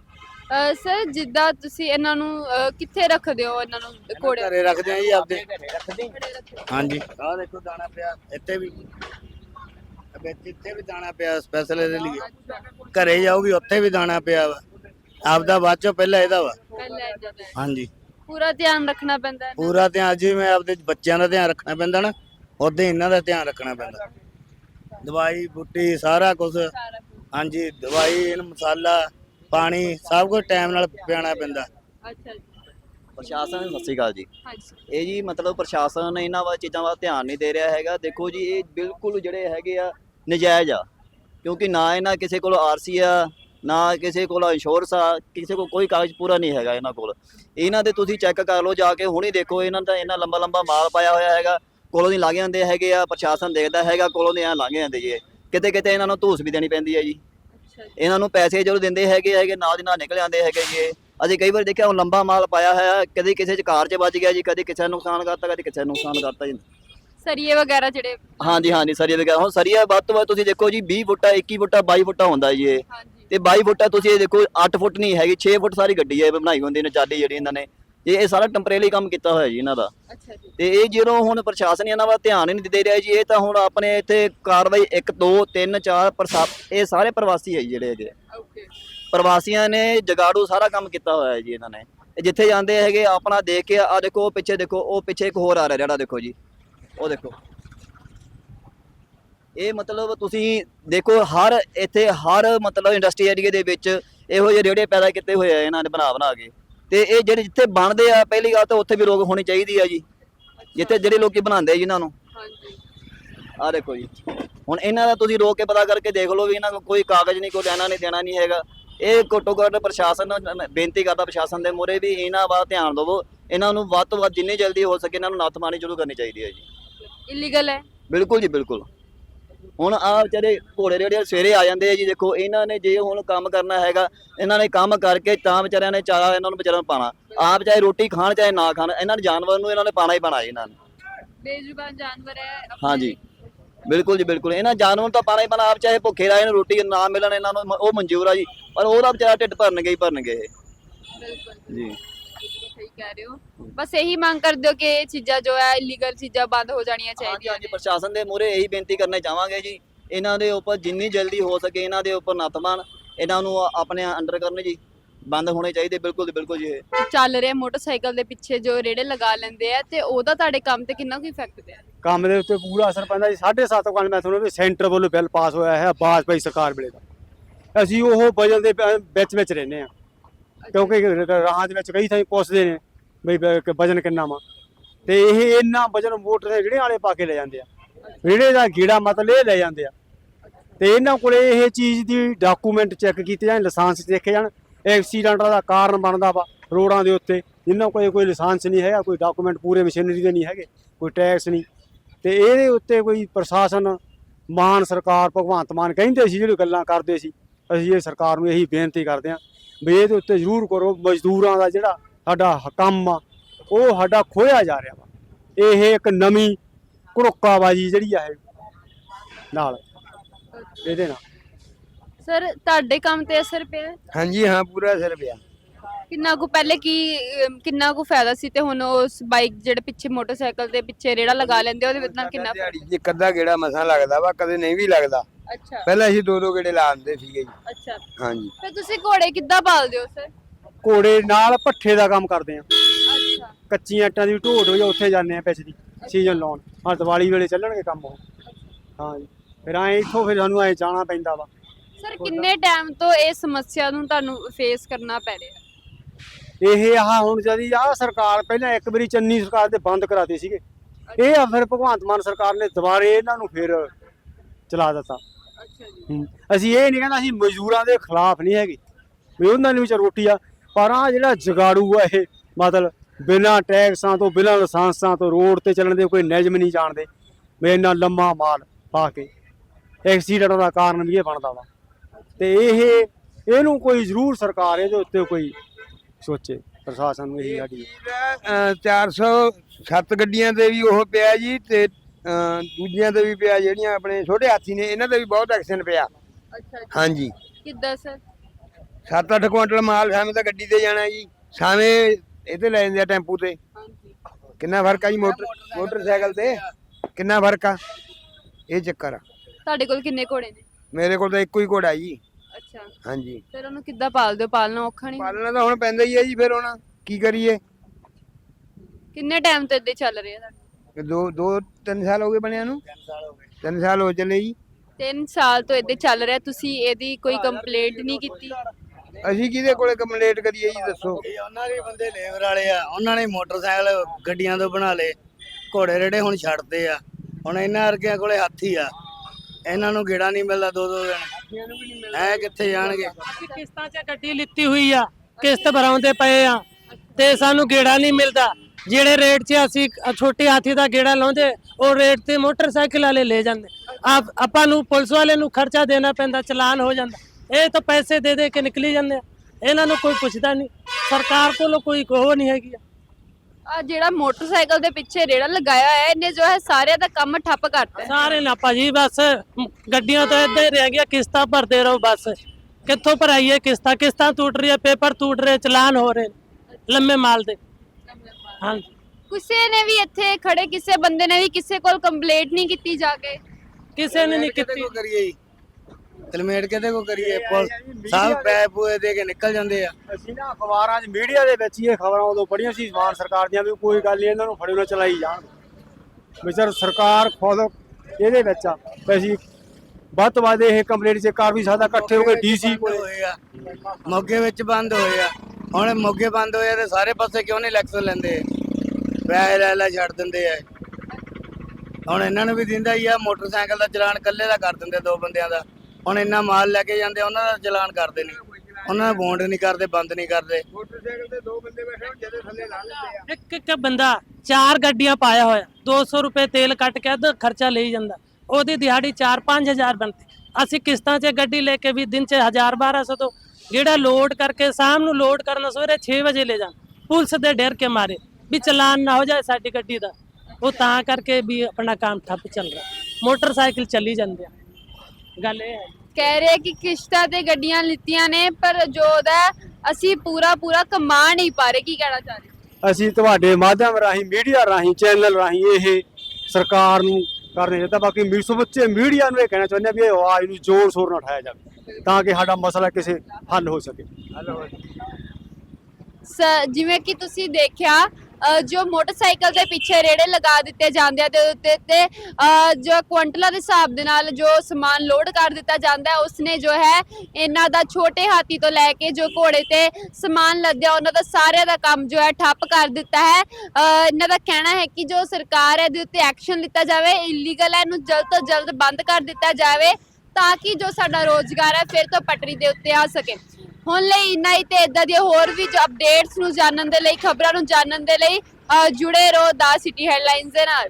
A: ਅਹ ਸਰ ਜਿੱਦਾਂ ਤੁਸੀਂ ਇਹਨਾਂ ਨੂੰ ਅਹ ਕਿੱਥੇ ਰੱਖਦੇ ਹੋ ਇਹਨਾਂ ਨੂੰ ਘੋੜੇ
G: ਘਰੇ ਰੱਖਦੇ ਆ ਜੀ ਆਪਦੇ
A: ਘਰੇ ਰੱਖਦੇ ਹੋ?
G: ਹਾਂਜੀ ਆਹ ਦੇਖੋ ਦਾਣਾ ਪਿਆ ਇੱਥੇ ਵੀ ਵਿੱਚ ਇੱਥੇ ਵੀ ਦਾਣਾ ਪਿਆ ਸਪੈਸ਼ਲ ਇਹਦੇ ਲਈ ਘਰੇ ਜਾਊਗੀ ਉੱਥੇ ਵੀ ਦਾਣਾ ਪਿਆ ਵਾ ਆਪਦਾ ਬਾਅਦ ਚੋਂ ਪਹਿਲਾਂ ਇਹਦਾ ਵਾ
A: ਪਹਿਲਾਂ ਏਦਾਂ ਦਾ ਹੈ।
G: ਹਾਂਜੀ
A: ਪੂਰਾ ਧਿਆਨ ਰੱਖਣਾ ਪੈਂਦਾ ਹੈ ਨਾ?
G: ਪੂਰਾ ਧਿਆਨ ਜਿਵੇਂ ਆਪਦੇ ਬੱਚਿਆਂ ਦਾ ਧਿਆਨ ਰੱਖਣਾ ਪੈਂਦਾ ਨਾ ਉਦਾਂ ਹੀ ਇਹਨਾਂ ਦਾ ਧਿਆਨ ਰੱਖਣਾ ਪੈਂਦਾ ਦਵਾਈ ਬੂਟੀ ਸਾਰਾ ਕੁਝ
A: ਸਾਰਾ ਕੁਛ।
G: ਹਾਂਜੀ ਦਵਾਈ ਇਹਨੂੰ ਮਸਾਲਾ ਪਾਣੀ ਸਭ ਕੁਝ ਟਾਈਮ ਨਾਲ ਪਿਆਣਾ ਪੈਂਦਾ
A: ਅੱਛਾ ਜੀ
E: ਪ੍ਰਸ਼ਾਸਨ ਸਤਿ ਸ਼੍ਰੀ ਅਕਾਲ ਜੀ।
A: ਹਾਂਜੀ
E: ਇਹ ਜੀ ਮਤਲਬ ਪ੍ਰਸ਼ਾਸਨ ਇਹਨਾਂ ਵਾ ਚੀਜ਼ਾਂ ਵੱਲ ਧਿਆਨ ਨਹੀਂ ਦੇ ਰਿਹਾ ਹੈਗਾ। ਦੇਖੋ ਜੀ ਇਹ ਬਿਲਕੁਲ ਜਿਹੜੇ ਹੈਗੇ ਆ ਨਜਾਇਜ਼ ਆ, ਕਿਉਂਕਿ ਨਾ ਇਹਨਾਂ ਕਿਸੇ ਕੋਲ ਆਰਸੀ ਆ, ਨਾ ਕਿਸੇ ਕੋਲ ਇੰਸ਼ੋਰੈਂਸ ਆ, ਕਿਸੇ ਕੋਲ ਕੋਈ ਕਾਗਜ਼ ਪੂਰਾ ਨਹੀਂ ਹੈਗਾ ਇਹਨਾਂ ਕੋਲ। ਇਹਨਾਂ ਦੇ ਤੁਸੀਂ ਚੈੱਕ ਕਰ ਲਓ ਜਾ ਕੇ, ਹੁਣੇ ਦੇਖੋ ਇਹਨਾਂ ਦਾ ਇਹਨਾਂ ਲੰਬਾ ਲੰਬਾ ਮਾਲ ਪਾਇਆ ਹੋਇਆ ਹੈਗਾ, ਕੋਲੋਂ ਦੀ ਲੰਘ ਜਾਂਦੇ ਹੈਗੇ ਆ, ਪ੍ਰਸ਼ਾਸਨ ਦੇਖਦਾ ਹੈਗਾ, ਕੋਲੋਂ ਦੀ ਐਂ ਲੰਘ ਜਾਂਦੇ ਜੀ। ਕਿਤੇ ਕਿਤੇ ਇਹਨਾਂ ਨੂੰ ਧੂਸ ਵੀ ਦੇਣੀ ਪੈਂਦੀ ਹੈ ਜੀ।
A: ਅੱਛਾ ਜੀ
E: ਇਹਨਾਂ ਨੂੰ ਪੈਸੇ ਜਦੋਂ ਦਿੰਦੇ ਹੈਗੇ ਹੈਗੇ ਨਾਲ ਦੀ ਨਾਲ ਨਿਕਲ ਜਾਂਦੇ ਹੈਗੇ ਜੀ ਇਹ। ਅਸੀਂ ਕਈ ਵਾਰ ਦੇਖਿਆ ਉਹ ਲੰਬਾ ਮਾਲ ਪਾਇਆ ਹੋਇਆ, ਕਦੇ ਕਿਸੇ ਚ ਕਾਰ 'ਚ ਵੱਜ ਗਿਆ ਜੀ, ਕਦੇ ਕਿਸੇ ਨੂੰ ਨੁਕਸਾਨ ਕਰਤਾ, ਕਦੇ ਕਿਸੇ ਨੂੰ ਨੁਕਸਾਨ ਕਰਤਾ ਜੀ।
A: ਸਰੀਏ ਵਗੈਰਾ ਜਿਹੜੇ
E: ਹਾਂਜੀ ਹਾਂਜੀ ਸਰੀਆ ਵਗੈਰਾ, ਹੁਣ ਸਰੀਆ ਵੱਧ ਤੋਂ ਵੱਧ ਤੁਸੀਂ ਦੇਖੋ ਜੀ ਵੀਹ ਫੁੱਟਾ ਇੱਕੀ ਫੁੱਟਾ ਬਾਈ ਫੁੱਟਾ ਹੁੰਦਾ ਜੀ ਇਹ,
A: ਹਾਂਜੀ
E: ਤੇ ਬਾਈ ਫੁੱਟਾ ਤੁਸੀਂ ਇਹ ਦੇਖੋ ਅੱਠ ਫੁੱਟ ਨਹੀਂ ਹੈਗੀ, ਛੇ ਫੁੱਟ ਸਾਰੀ ਗੱਡੀ ਹੈ ਬਣਾਈ ਹੁੰਦੀ ਨੇ ਚਾਲੀ ਜਿਹੜੀ ਇਹਨਾਂ ਨੇ। ਇਹ ਇਹ ਸਾਰਾ ਟੈਂਪਰੇਰੀ ਕੰਮ ਕੀਤਾ ਹੋਇਆ ਜੀ ਇਹਨਾਂ ਦਾ।
A: ਅੱਛਾ ਜੀ
E: ਤੇ ਇਹ ਜਦੋਂ ਹੁਣ ਪ੍ਰਸ਼ਾਸਨ ਇਹਨਾਂ ਵੱਲ ਧਿਆਨ ਹੀ ਨਹੀਂ ਦੇ ਰਿਹਾ ਜੀ। ਇਹ ਤਾਂ ਹੁਣ ਆਪਣੇ ਇੱਥੇ ਕਾਰਵਾਈ ਇੱਕ ਦੋ ਤਿੰਨ ਚਾਰ ਪ੍ਰਸਾ ਇਹ ਸਾਰੇ ਪ੍ਰਵਾਸੀ ਹੈ ਜੀ ਜਿਹੜੇ ਹੈਗੇ
A: ਓਕੇ
E: ਪ੍ਰਵਾਸੀਆਂ ਨੇ ਜਗਾੜੂ ਸਾਰਾ ਕੰਮ ਕੀਤਾ ਹੋਇਆ ਹੈ ਜੀ ਇਹਨਾਂ ਨੇ। ਇਹ ਜਿੱਥੇ ਜਾਂਦੇ ਹੈਗੇ ਆਪਣਾ ਦੇਖ ਕੇ ਆ ਦੇਖੋ ਉਹ ਪਿੱਛੇ ਦੇਖੋ, ਉਹ ਪਿੱਛੇ ਇੱਕ ਹੋਰ ਆ ਰਿਹਾ ਜਿਹੜਾ ਦੇਖੋ ਜੀ, ਉਹ ਦੇਖੋ। ਇਹ ਮਤਲਬ ਤੁਸੀਂ ਦੇਖੋ ਹਰ ਇੱਥੇ ਹਰ ਮਤਲਬ ਇੰਡਸਟਰੀ ਏਰੀਏ ਦੇ ਵਿੱਚ ਇਹੋ ਜਿਹੇ ਰੇੜੇ ਪੈਦਾ ਕੀਤੇ ਹੋਏ ਆ ਇਹਨਾਂ ਨੇ ਬਣਾ ਬਣਾ ਕੇ। ਤੇ ਇਹ ਜਿਹੜੇ ਜਿੱਥੇ ਬਣਦੇ ਆ ਪਹਿਲੀ ਗੱਲ ਤਾਂ ਉੱਥੇ ਵੀ ਰੋਕ ਹੋਣੀ ਚਾਹੀਦੀ ਆ ਜੀ, ਜਿੱਥੇ ਜਿਹੜੇ ਲੋਕੀ ਬਣਾਉਂਦੇ ਆ ਜੀ ਇਹਨਾਂ ਨੂੰ।
A: ਹਾਂਜੀ
E: ਆਹ ਦੇਖੋ ਜੀ, ਹੁਣ ਇਹਨਾਂ ਦਾ ਤੁਸੀਂ ਰੋਕ ਕੇ ਪਤਾ ਕਰਕੇ ਦੇਖ ਲਓ ਵੀ ਇਹਨਾਂ ਕੋਲ ਕੋਈ ਕਾਗਜ਼ ਨਹੀਂ, ਕੋਈ ਲੈਣਾ ਨਹੀਂ ਦੇਣਾ ਨਹੀਂ ਹੈਗਾ। ਇਹ ਘੱਟੋ ਘੱਟ ਪ੍ਰਸ਼ਾਸਨ ਨੂੰ ਬੇਨਤੀ ਕਰਦਾ ਪ੍ਰਸ਼ਾਸਨ ਦੇ ਮੂਹਰੇ ਵੀ ਇਹਨਾਂ ਵੱਲ ਧਿਆਨ ਦਿਵੋ, ਇਹਨਾਂ ਨੂੰ ਵੱਧ ਤੋਂ ਵੱਧ ਜਿੰਨੀ ਜਲਦੀ ਹੋ ਸਕੇ ਇਹਨਾਂ ਨੂੰ ਨੱਥ ਪਾਣੀ ਸ਼ੁਰੂ ਕਰਨੀ ਚਾਹੀਦੀ ਹੈ ਜੀ।
A: ਇਲੀਗਲ ਹੈ
E: ਬਿਲਕੁਲ ਜੀ ਬਿਲਕੁਲ। ਹੁਣ ਆਹ ਵਿਚਾਰੇ ਘੋੜੇ ਰੇੜੇ ਸਵੇਰੇ ਆ ਜਾਂਦੇ ਆ ਜੀ, ਦੇਖੋ ਇਹਨਾਂ ਨੇ ਜੇ ਹੁਣ ਕੰਮ ਕਰਨਾ ਹੈਗਾ ਇਹਨਾਂ ਨੇ ਕੰਮ ਕਰਕੇ ਤਾਂ ਵਿਚਾਰਿਆਂ ਨੇ ਚਾਰਾ ਇਹਨਾਂ ਨੂੰ ਵਿਚਾਰਿਆਂ ਨੂੰ ਪਾਣਾ। ਆਪ ਚਾਹੇ ਰੋਟੀ ਖਾਣ ਚਾਹੇ ਨਾ ਖਾਣ, ਇਹਨਾਂ ਨੇ ਜਾਨਵਰ ਨੂੰ ਇਹਨਾਂ ਨੇ ਪਾਣਾ ਹੀ ਪਾਣਾ ਇਹਨਾਂ ਨੇ।
A: ਬੇਜ਼ੁਬਾਨ ਜਾਨਵਰ ਹੈ ਆਪਣੇ-
E: ਹਾਂਜੀ ਬਿਲਕੁਲ ਜੀ ਬਿਲਕੁਲ, ਇਹਨਾਂ ਜਾਨਵਰ ਨੂੰ ਤਾਂ ਪਾਣਾ ਹੀ ਪਾਣਾ। ਆਪ ਚਾਹੇ ਭੁੱਖੇ ਰਹੇ ਨੇ ਰੋਟੀ ਨਾ ਮਿਲਣ ਇਹਨਾਂ ਨੂੰ ਉਹ ਮਨਜ਼ੂਰ ਆ ਜੀ, ਪਰ ਉਹਦਾ ਵਿਚਾਰਾ ਢਿੱਡ ਭਰਨਗੇ ਹੀ ਭਰਨਗੇ ਇਹ
A: ਬਿਲਕੁਲ
E: ਜੀ।
A: ਸਹੀ ਕਹਿ ਰਹੇ ਹੋ। ਬਸ ਇਹੀ ਮੰਗ ਕਰਦੇ ਹੋ ਕਿ ਇਹ ਚੀਜ਼ਾਂ ਜੋ ਹੈ ਇਲੀਗਲ ਚੀਜ਼ਾਂ ਬੰਦ ਹੋ ਜਾਣੀਆਂ
E: ਹਾਂਜੀ
A: ਚਾਹੀਦੀਆਂ
E: ਹਾਂਜੀ
A: ਨੇ।
E: ਪ੍ਰਸ਼ਾਸਨ ਦੇ ਮੂਹਰੇ ਇਹੀ ਬੇਨਤੀ ਕਰਨਾ ਚਾਹਾਂਗੇ ਜੀ, ਇਹਨਾਂ ਦੇ ਉੱਪਰ ਜਿੰਨੀ ਜਲਦੀ ਹੋ ਸਕੇ ਇਹਨਾਂ ਦੇ ਉੱਪਰ ਨੱਥ ਪਾਉਣ, ਇਹਨਾਂ ਨੂੰ ਆਪਣੇ ਅੰਡਰ ਕਰਨ ਜੀ, ਬੰਦ ਹੋਣੇ ਚਾਹੀਦੇ ਬਿਲਕੁਲ ਤੇ ਬਿਲਕੁਲ ਜੀ। ਇਹ
A: ਚੱਲ ਰਿਹਾ ਮੋਟਰਸਾਈਕਲ ਦੇ ਪਿੱਛੇ ਜੋ ਰੇੜੇ ਲਗਾ ਲੈਂਦੇ ਆ ਤੇ ਉਹਦਾ ਤੁਹਾਡੇ ਕੰਮ ਤੇ ਕਿੰਨਾ ਕੁ ਇਫੈਕਟ ਪਿਆ?
B: ਕੰਮ ਦੇ ਉੱਤੇ ਪੂਰਾ ਅਸਰ ਪੈਂਦਾ ਜੀ। ਸਾਢੇ ਸੱਤ ਕੱਲ ਮੈਂ ਤੁਹਾਨੂੰ ਵੀ ਸੈਂਟਰ ਵੱਲੋਂ ਬਿੱਲ ਪਾਸ ਹੋਇਆ ਹੈ ਵਾਜਪਾਈ ਸਰਕਾਰ ਵੇਲੇ ਦਾ। ਅਸੀਂ ਉਹ ਬਜਟ ਦੇ ਪ- ਵਿੱਚ ਵਿੱਚ ਰਹਿੰਦੇ ਆ, ਕਿਉਂਕਿ ਰਾਹਾਂ ਦੇ ਵਿੱਚ ਕਈ ਥਾਈਂ ਪੁੱਛਦੇ ਨੇ ਬਈ ਬ- ਵਜਨ ਕਿੰਨਾ ਵਾ, ਤੇ ਇਹ ਇੰਨਾ ਵਜਨ ਮੋਟਰ ਦੇ ਰੇੜੇ ਵਾਲੇ ਪਾ ਕੇ ਲੈ ਜਾਂਦੇ ਆ। ਰੇੜੇ ਦਾ ਗੀੜਾ ਮਤਲਬ ਇਹ ਲੈ ਜਾਂਦੇ ਆ, ਤੇ ਇਹਨਾਂ ਕੋਲੇ ਇਹ ਚੀਜ਼ ਦੀ ਡਾਕੂਮੈਂਟ ਚੈੱਕ ਕੀਤੇ ਜਾਣ, ਲਾਇਸੈਂਸ ਦੇਖੇ ਜਾਣ। ਐਕਸੀਡੈਂਟਾਂ ਦਾ ਕਾਰਨ ਬਣਦਾ ਵਾ ਰੋਡਾਂ ਦੇ ਉੱਤੇ, ਜਿਨ੍ਹਾਂ ਕੋਲ ਕੋਈ ਲਾਇਸੈਂਸ ਨਹੀਂ ਹੈਗਾ, ਕੋਈ ਡਾਕੂਮੈਂਟ ਪੂਰੇ ਮਸ਼ੀਨਰੀ ਦੇ ਨਹੀਂ ਹੈਗੇ, ਕੋਈ ਟੈਕਸ ਨਹੀਂ। ਤੇ ਇਹਦੇ ਉੱਤੇ ਕੋਈ ਪ੍ਰਸ਼ਾਸਨ ਮਾਨ ਸਰਕਾਰ ਭਗਵੰਤ ਮਾਨ ਕਹਿੰਦੇ ਸੀ ਜਿਹੜੀ ਗੱਲਾਂ ਕਰਦੇ ਸੀ, ਅਸੀਂ ਇਹ ਸਰਕਾਰ ਨੂੰ ਇਹੀ ਬੇਨਤੀ ਕਰਦੇ ਹਾਂ ਵੀ ਇਹਦੇ ਉੱਤੇ ਜ਼ਰੂਰ ਕਰੋ। ਮਜ਼ਦੂਰਾਂ ਦਾ ਜਿਹੜਾ ਸਾਡਾ ਕੰਮ ਆ ਉਹ ਸਾਡਾ ਖੋਇਆ ਜਾ ਰਿਹਾ ਵਾ। ਇਹ ਇੱਕ ਨਵੀਂ ਘੜੋਕਾਬਾਜੀ ਜਿਹੜੀ ਆ ਇਹ ਨਾਲ ਇਹਦੇ ਨਾਲ।
A: ਸਰ ਤੁਹਾਡੇ ਕੰਮ ਤੇ ਅਸਰ ਪਿਆ?
F: ਹਾਂਜੀ ਹਾਂ ਪੂਰਾ ਅਸਰ ਪਿਆ।
A: ਕਿੰਨਾ ਕੁ ਪਹਿਲੇ ਕੀ ਅਮ, ਕਿੰਨਾ ਕੁ ਫਾਇਦਾ ਸੀ ਤੇ ਹੁਣ ਉਸ ਬਾਈਕ ਜਿਹੜੇ ਪਿੱਛੇ ਮੋਟਰਸਾਈਕਲ ਦੇ ਪਿੱਛੇ ਰੇੜਾ ਲਗਾ ਲੈਂਦੇ ਉਹਦੇ ਵਿੱਚ ਨਾਲ ਕਿੰਨਾ
F: ਦਿਹਾੜੀ 'ਚ ਇੱਕ ਅੱਧਾ ਗੇੜਾ ਮਸਾਂ ਲੱਗਦਾ ਵਾ, ਕਦੇ ਨਹੀਂ ਵੀ ਲੱਗਦਾ।
A: ਅੱਛਾ
F: ਪਹਿਲਾਂ ਅਸੀਂ ਦੋ ਦੋ ਗੇੜੇ ਲਾਉਂਦੇ ਸੀਗੇ ਜੀ।
A: ਅੱਛਾ
F: ਹਾਂਜੀ
A: ਫਿਰ ਤੁਸੀਂ ਘੋੜੇ ਕਿੱਦਾਂ ਪਾਲਦੇ ਹੋ ਸਰ?
B: ਘੋੜੇ ਨਾਲ ਭੱਠੇ ਦਾ ਕੰਮ ਕਰਦੇ ਆ,
A: ਅੱਛਾ
B: ਕੱਚੀਆਂ ਇੱਟਾਂ ਦੀ ਢੋਡ ਹੋਈ ਆ, ਉੱਥੇ ਜਾਂਦੇ ਆ ਪਿੱਛ ਦੀ ਸੀਜ਼ਨ ਲਾਉਣ। ਹਾਂ ਦੀਵਾਲੀ ਵੇਲੇ ਚੱਲਣਗੇ ਕੰਮ ਉਹ। ਹਾਂ ਜੀ ਫਿਰ ਐਂ ਇੱਥੋਂ ਫਿਰ ਸਾਨੂੰ ਐਂ ਜਾਣਾ ਪੈਂਦਾ ਵਾ।
A: ਸਰ ਕਿੰਨੇ ਟਾਈਮ ਤੋਂ ਇਹ ਸਮੱਸਿਆ ਨੂੰ ਤੁਹਾਨੂੰ ਫੇਸ ਕਰਨਾ ਪੈ ਰਿਹਾ?
B: ਇਹ ਆਹ ਹੁਣ ਜਦੀ ਆਹ ਸਰਕਾਰ ਪਹਿਲਾਂ ਇੱਕ ਵਾਰੀ ਚੰਨੀ ਸਰਕਾਰ ਦੇ ਬੰਦ ਕਰਾਤੇ ਸੀਗੇ, ਇਹ ਆ ਫਿਰ ਭਗਵੰਤ ਮਾਨ ਸਰਕਾਰ ਨੇ ਦੁਬਾਰੇ ਇਹਨਾਂ ਨੂੰ ਫਿਰ ਚਲਾ ਦਿੱਤਾ।
A: ਅੱਛਾ ਜੀ
B: ਹੂੰ। ਅਸੀਂ ਇਹ ਨਹੀਂ ਕਹਿੰਦਾ ਅਸੀਂ ਮਜ਼ਦੂਰਾਂ ਦੇ ਖਿਲਾਫ ਨਹੀਂ ਹੈਗੇ ਵੀ ਉਹਨਾਂ ਨੂੰ ਵੀ ਰੋਟੀ ਆ, ਪਰ ਆ ਜਿਹੜਾ ਜਗਾੜੂ ਆ ਇਹ ਮਤਲਬ ਬਿਨਾਂ ਟੈਕਸਾਂ ਤੋਂ ਬਿਨਾਂ ਲਾਇਸੈਂਸਾਂ ਤੋਂ ਰੋਡ ਤੇ ਚੱਲਣ ਦੇ ਕੋਈ ਨਿਯਮ ਨਹੀਂ ਜਾਣਦੇ ਵੀ ਇੰਨਾ ਲੰਮਾ ਮਾਲ ਪਾ ਕੇ ਐਕਸੀਡੈਂਟ ਦਾ ਕਾਰਨ ਵੀ ਇਹ ਬਣਦਾ ਵਾ। ਤੇ ਇਹ ਇਹਨੂੰ ਕੋਈ ਜ਼ਰੂਰ ਸਰਕਾਰ ਇਹਦੇ ਉੱਤੇ ਕੋਈ ਸੋਚੇ, ਪ੍ਰਸ਼ਾਸਨ ਨੂੰ ਇਹੀ ਸਾਡੀ
F: ਚਾਰ ਸੌ ਸੱਤ ਗੱਡੀਆਂ ਤੇ ਵੀ ਉਹ ਪਿਆ ਜੀ, ਤੇ ਅਹ, ਦੂਜੀਆਂ ਤੇ ਵੀ ਪਿਆ, ਜਿਹੜੀਆਂ ਆਪਣੇ ਛੋਟੇ ਹਾਥੀ ਨੇ ਇਹਨਾਂ ਤੇ ਵੀ ਬਹੁਤ ਐਕਸੀਡੈਂਟ ਪਿਆ।
A: ਅੱਛਾ ਜੀ
F: ਹਾਂਜੀ
A: ਕਿੱਦਾਂ ਸਰ?
F: ਸੱਤ ਅੱਠ ਕੁਇੰਟਲ ਮਾਲ ਸਾਵੇਂ ਤਾਂ ਗੱਡੀ ਤੇ ਜਾਣਾ ਜੀ, ਸਾਵੇਂ ਇਹ ਤੇ ਲੈ ਜਾਂਦੇ ਆ ਟੈਂਪੂ ਤੇ। ਕਿੰਨਾ ਫਰਕ ਆ ਜੀ ਮੋਟਰ ਮੋਟਰਸਾਈਕਲ ਤੇ, ਕਿੰਨਾ ਫਰਕ ਆ, ਇਹ ਚੱਕਰ ਆ।
A: ਤੁਹਾਡੇ ਕੋਲ ਕਿੰਨੇ ਘੋੜੇ ਨੇ?
F: ਮੇਰੇ ਕੋਲ ਤਾਂ ਇੱਕੋ ਹੀ ਘੋੜਾ ਜੀ।
A: ਅੱਛਾ,
F: ਹਾਂਜੀ,
A: ਫਿਰ ਉਹਨੂੰ ਕਿੱਦਾਂ ਪਾਲਦੇ ਹੋ? ਪਾਲਣਾ ਔਖਾ ਨਹੀਂ?
F: ਪਾਲਣਾ ਤਾਂ ਹੁਣ ਪੈਂਦਾ ਹੀ ਹੈ ਜੀ, ਫਿਰ ਹੁਣ ਕੀ ਕਰੀਏ।
A: ਕਿੰਨੇ ਟਾਈਮ ਤੋਂ ਏਦਾਂ ਚੱਲ ਰਿਹਾ ਤੁਹਾਡਾ?
F: ਇਹ ਦੋ ਦੋ ਤਿੰਨ ਸਾਲ ਹੋ ਗਏ ਬਣਿਆ ਨੂੰ, ਤਿੰਨ ਸਾਲ ਹੋ ਚੱਲੇ ਜੀ।
A: ਤਿੰਨ ਸਾਲ ਤੋਂ ਏਦਾਂ ਚੱਲ ਰਿਹਾ, ਤੁਸੀਂ ਇਹਦੀ ਕੋਈ ਕੰਪਲੇਂਟ ਨਹੀਂ ਕੀਤੀ?
F: ਅਸੀਂ ਕਿਹਦੇ ਕੋਲੇ ਕੰਪਲੇਂਟ ਕਰੀਏ ਜੀ, ਦੱਸੋ।
G: ਇਹ ਉਹਨਾਂ ਦੇ ਬੰਦੇ ਲੇਬਰ ਵਾਲੇ ਆ, ਉਹਨਾਂ ਨੇ ਮੋਟਰਸਾਈਕਲ ਗੱਡੀਆਂ ਤੋਂ ਬਣਾ ਲਏ, ਘੋੜੇ ਰੇੜੇ ਹੁਣ ਛੱਡਦੇ ਆ। ਹੁਣ ਇਹਨਾਂ ਵਰਗਿਆਂ ਕੋਲੇ ਹਾਥੀ ਆ, ਇਹਨਾਂ ਨੂੰ ਗੇੜਾ ਨਹੀਂ ਮਿਲਦਾ ਦੋ ਦੋ ਦਿਨ, ਐ ਕਿੱਥੇ ਜਾਣਗੇ।
I: ਕਿਸ਼ਤਾਂ 'ਚ ਗੱਡੀ ਲਿੱਤੀ ਹੋਈ ਆ, ਕਿਸ਼ਤ ਭਰਾਉਂਦੇ ਪਏ ਆ ਤੇ ਸਾਨੂੰ ਗੇੜਾ ਨਹੀਂ ਮਿਲਦਾ। ਜਿਹੜੇ ਰੇਟ 'ਚ ਅਸੀਂ ਛੋਟੇ ਹਾਥੀ ਦਾ ਗੇੜਾ ਲਾਉਂਦੇ, ਉਹ ਰੇਟ ਤੇ ਮੋਟਰਸਾਈਕਲ ਵਾਲੇ ਲੈ ਜਾਂਦੇ। ਆਪ ਆਪਾਂ ਨੂੰ ਪੁਲਿਸ ਵਾਲੇ ਨੂੰ ਖਰਚਾ ਦੇਣਾ ਪੈਂਦਾ, ਚਲਾਨ ਹੋ ਜਾਂਦਾ। ਇਹ ਤਾਂ ਪੈਸੇ ਦੇ ਦੇ ਕੇ ਨਿਕਲੀ ਜਾਂਦੇ ਆ, ਇਹਨਾਂ ਨੂੰ ਕੋਈ ਪੁੱਛਦਾ ਨਹੀਂ। ਸਰਕਾਰ ਕੋਲੋਂ ਕੋਈ ਉਹ ਨਹੀਂ ਹੈਗੀ।
A: ਆ ਜਿਹੜਾ ਮੋਟਰਸਾਈਕਲ ਦੇ ਪਿੱਛੇ ਰੇੜਾ ਲਗਾਇਆ ਹੈ, ਇਹਨੇ ਜੋ ਹੈ ਸਾਰਿਆਂ ਦਾ ਕੰਮ ਠੱਪ ਕਰਤਾ ਹੈ।
I: ਸਾਰੇ ਨਾ ਭਾਜੀ, ਬਸ ਗੱਡੀਆਂ ਤਾਂ ਏਦਾਂ ਹੀ ਰਹਿ ਗਿਆ, ਕਿਸ਼ਤਾਂ ਭਰਦੇ ਰਹੋ ਬਸ। ਕਿੱਥੋਂ ਭਰਾਈਏ ਕਿਸ਼ਤਾਂ? ਕਿਸ਼ਤਾਂ ਟੁੱਟ ਰਹੀਆਂ, ਪੇਪਰ ਟੁੱਟ ਰਹੇ, ਚਲਾਨ ਹੋ ਰਹੇ ਲੰਮੇ ਮਾਲ ਦੇ। ਹਾਂਜੀ,
A: ਕਿਸੇ ਨੇ ਵੀ ਇੱਥੇ ਖੜੇ ਕਿਸੇ ਬੰਦੇ ਨੇ ਵੀ ਕਿਸੇ ਕੋਲ ਕੰਪਲੇਂਟ ਨਹੀਂ ਕੀਤੀ ਜਾ ਕੇ?
I: ਕਿਸੇ ਨੇ ਨਹੀਂ
G: ਕਿਤੇ
I: ਕੀਤੀ।
G: ਕੋ ਕਰੀਏ ਜੀ, ਤਲਮੇੜ ਕਿਤੇ ਕੋ ਕਰੀਏ, ਪੁਲਿਸ ਸਭ ਪੈ ਪੂਏ ਦੇ ਕੇ ਨਿਕਲ ਜਾਂਦੇ ਆ।
B: ਅਸੀਂ ਨਾ ਅਖਬਾਰਾਂ 'ਚ ਮੀਡੀਆ ਦੇ ਵਿੱਚ ਹੀ ਇਹ ਖਬਰਾਂ ਉਦੋਂ ਪੜ੍ਹੀਆਂ ਸੀ ਮਾਨ ਸਰਕਾਰ ਦੀਆਂ ਵੀ ਕੋਈ ਗੱਲ ਨਹੀਂ, ਇਹਨਾਂ ਨੂੰ ਫੜੇ ਨਾ ਚਲਾਈ ਜਾਣ। ਵੀ ਸਰ ਸਰਕਾਰ ਖੁਦ ਇਹਦੇ ਵਿੱਚ ਆ ਵੀ ਅਸੀਂ ਵੱਧ ਤੋਂ ਵੱਧ ਇਹ ਕੰਪਲੇਂਟ 'ਚ ਕਰ ਵੀ ਸਕਦਾ, ਇਕੱਠੇ ਹੋ ਕੇ ਡੀਸੀ ਕੋਲ
G: ਹੋਏ ਆ, ਮੋਗੇ ਵਿੱਚ ਬੰਦ ਹੋਏ ਆ। ਹੁਣ ਮੋਗੇ ਬੰਦ ਹੋਏ ਆ ਤੇ ਸਾਰੇ ਪਾਸੇ ਕਿਉਂ ਨਹੀਂ ਇਲੈਕਸ਼ਨ ਲੈਂਦੇ? ਪੈਸੇ ਲੈ ਲੈ ਛੱਡ ਦਿੰਦੇ ਆ। ਹੁਣ ਇਹਨਾਂ ਨੂੰ ਵੀ ਦਿੰਦਾ ਹੀ ਆ, ਮੋਟਰਸਾਈਕਲ ਦਾ ਚਲਾਨ ਇਕੱਲੇ ਦਾ ਕਰ ਦਿੰਦੇ, ਦੋ ਬੰਦਿਆਂ ਦਾ। ਹੁਣ ਇੰਨਾ ਮਾਲ ਲੈ ਕੇ ਜਾਂਦੇ, ਉਹਨਾਂ ਦਾ ਚਲਾਨ ਕਰਦੇ ਨਹੀਂ, ਉਹਨਾਂ ਦਾ ਬੌਂਡ ਨਹੀਂ ਕਰਦੇ, ਬੰਦ ਨਹੀਂ ਕਰਦੇ।
F: ਮੋਟਰਸਾਈਕਲ ਤੇ ਦੋ ਬੰਦੇ ਬੈਠੇ ਹੁਣ ਜਦੇ ਥੱਲੇ ਲਾ ਲੈਂਦੇ ਆ।
I: ਇੱਕ ਇੱਕ ਬੰਦਾ ਚਾਰ ਗੱਡੀਆਂ ਪਾਇਆ ਹੋਇਆ, ਦੋ ਸੌ ਰੁਪਏ ਤੇਲ ਕੱਟ ਕੇ ਅੱਧ ਖਰਚਾ ਲਈ ਜਾਂਦਾ, ਉਹਦੀ ਦਿਹਾੜੀ ਚਾਰ ਪੰਜ ਹਜ਼ਾਰ ਬਣਦੀ। ਅਸੀਂ ਕਿਸ਼ਤਾਂ 'ਚ ਗੱਡੀ ਲੈ ਕੇ ਵੀ ਦਿਨ 'ਚ ਹਜ਼ਾਰ ਬਾਰਾਂ ਸੌ ਤੋਂ ਜਿਹੜਾ ਲੋਡ ਕਰਕੇ ਸ਼ਾਮ ਨੂੰ ਲੋਡ ਕਰਨਾ ਸਵੇਰੇ ਛੇ ਵਜੇ ਲੈ ਜਾਣ, ਪੁਲਿਸ ਦੇ ਡਰ ਕੇ ਮਾਰੇ ਵੀ ਚਲਾਨ ਨਾ ਹੋ ਜਾਏ ਸਾਡੀ ਗੱਡੀ ਦਾ। ਉਹ ਤਾਂ ਕਰਕੇ ਵੀ ਆਪਣਾ ਕੰਮ ਠੱਪ ਚੱਲ ਰਿਹਾ, ਮੋਟਰਸਾਈਕਲ ਚੱਲੀ ਜਾਂਦੇ ਆ। ਗੱਲ ਇਹ ਹੈ,
A: ਕਹਿ ਰਹੇ ਕਿ ਕਿਸ਼ਤਾਂ ਤੇ ਗੱਡੀਆਂ ਲਿੱਤੀਆਂ ਨੇ, ਪਰ ਜੋ ਉਹਦਾ ਅਸੀਂ ਪੂਰਾ ਪੂਰਾ ਕਮਾ ਨਹੀਂ ਪਾ ਰਹੇ। ਕੀ ਕਹਿਣਾ ਚਾਹ ਰਹੇ?
B: ਅਸੀਂ ਤੁਹਾਡੇ ਮਾਧਿਅਮ ਰਾਹੀਂ, ਮੀਡੀਆ ਰਾਹੀਂ, ਚੈਨਲ ਰਾਹੀਂ ਇਹ ਸਰਕਾਰ ਨੂੰ ਕਰਨੇ ਚਾਹੀਦਾ। ਬਾਕੀ ਮੀ ਸਮੁੱਚੇ ਮੀਡੀਆ ਨੂੰ ਇਹ ਕਹਿਣਾ ਚਾਹੁੰਦੇ ਆ ਵੀ ਇਹ ਆਵਾਜ਼ ਨੂੰ ਜ਼ੋਰ ਸ਼ੋਰ ਨਾਲ ਉਠਾਇਆ ਜਾਵੇ ਤਾਂ ਕਿ ਸਾਡਾ ਮਸਲਾ ਕਿਸੇ ਹੱਲ ਹੋ ਸਕੇ।
A: ਸ- ਜਿਵੇਂ ਕਿ ਤੁਸੀਂ ਦੇਖਿਆ, ਅ, ਜੋ ਮੋਟਰਸਾਈਕਲ ਦੇ ਪਿੱਛੇ ਰੇੜੇ ਲਗਾ ਦਿੱਤੇ ਜਾਂਦੇ ਆ ਤੇ ਉੱਤੇ ਤੇ ਅ, ਜੋ ਕੁਇੰਟਲਾਂ ਦੇ ਹਿਸਾਬ ਦੇ ਨਾਲ ਜੋ ਸਮਾਨ ਲੋਡ ਕਰ ਦਿੱਤਾ ਜਾਂਦਾ ਹੈ, ਉਸਨੇ ਜੋ ਹੈ ਇਹਨਾਂ ਦਾ ਛੋਟੇ ਹਾਥੀ ਤੋਂ ਲੈ ਕੇ ਜੋ ਘੋੜੇ ਤੇ ਸਮਾਨ ਲੱਦਿਆ, ਉਹਨਾਂ ਦਾ ਸਾਰਿਆਂ ਦਾ ਕੰਮ ਜੋ ਹੈ ਠੱਪ ਕਰ ਦਿੱਤਾ ਹੈ। ਅ, ਇਹਨਾਂ ਦਾ ਕਹਿਣਾ ਹੈ ਕਿ ਜੋ ਸਰਕਾਰ ਹੈ ਇਹਦੇ ਉੱਤੇ ਐਕਸ਼ਨ ਲਿੱਤਾ ਜਾਵੇ, ਇਲੀਗਲ ਹੈ, ਇਹਨੂੰ ਜਲਦ ਤੋਂ ਜਲਦ ਬੰਦ ਕਰ ਦਿੱਤਾ ਜਾਵੇ ਤਾਂ ਕਿ ਜੋ ਸਾਡਾ ਰੋਜ਼ਗਾਰ ਹੈ ਫਿਰ ਤੋਂ ਪਟੜੀ ਦੇ ਉੱਤੇ ਆ ਸਕੇ। ਹੁਣ ਲਈ ਇੰਨਾ ਹੀ, ਤੇ ਇਦਾਂ ਦੀਆਂ ਹੋਰ ਵੀ ਅਪਡੇਟਸ ਨੂੰ ਜਾਣਨ ਦੇ ਲਈ, ਖਬਰਾਂ ਨੂੰ ਜਾਣਨ ਦੇ ਲਈ ਅ, ਜੁੜੇ ਰਹੋ ਦਾ ਸਿਟੀ ਹੈਡਲਾਈਨਸ ਦੇ ਨਾਲ।